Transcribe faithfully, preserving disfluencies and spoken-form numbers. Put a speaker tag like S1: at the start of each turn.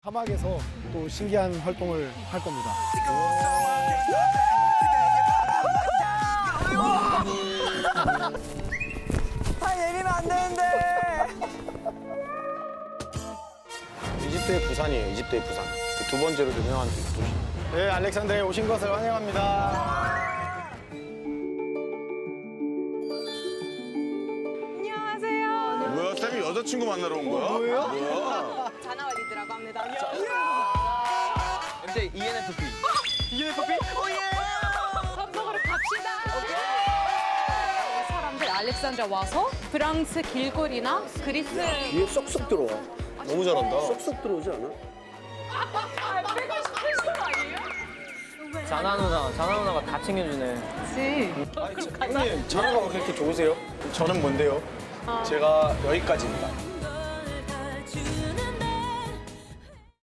S1: 사막에서 또 신기한 활동을 할 겁니다.
S2: 다 내리면 안 되는데.
S1: 이집트의 부산이에요. 이집트의 부산. 두 번째로 유명한 도시. 네, 알렉산드리아에 오신 것을 환영합니다.
S2: 안녕하세요.
S3: 뭐야, 쌤이 여자친구 만나러 온 거야? 뭐야? 뭐야?
S2: 자나왈리드라고 합니다.
S4: 엠제 이엔에프피.
S2: 이엔에프피? 오예!
S5: 밥 먹으러 갑시다. 사람들 알렉산드리아 와서 프랑스 길거리나 그리스
S6: 이게 쏙쏙 들어와.
S1: 너무 잘한다.
S6: 쏙쏙 들어오지 않아?
S5: 빼고 싶으신 거 아니에요?
S4: 자나 누나, 자나 누나가 다 챙겨주네.
S5: 그치.
S1: 형님, 자나가 왜 그렇게 좋으세요? 저는 뭔데요? 제가 여기까지입니다.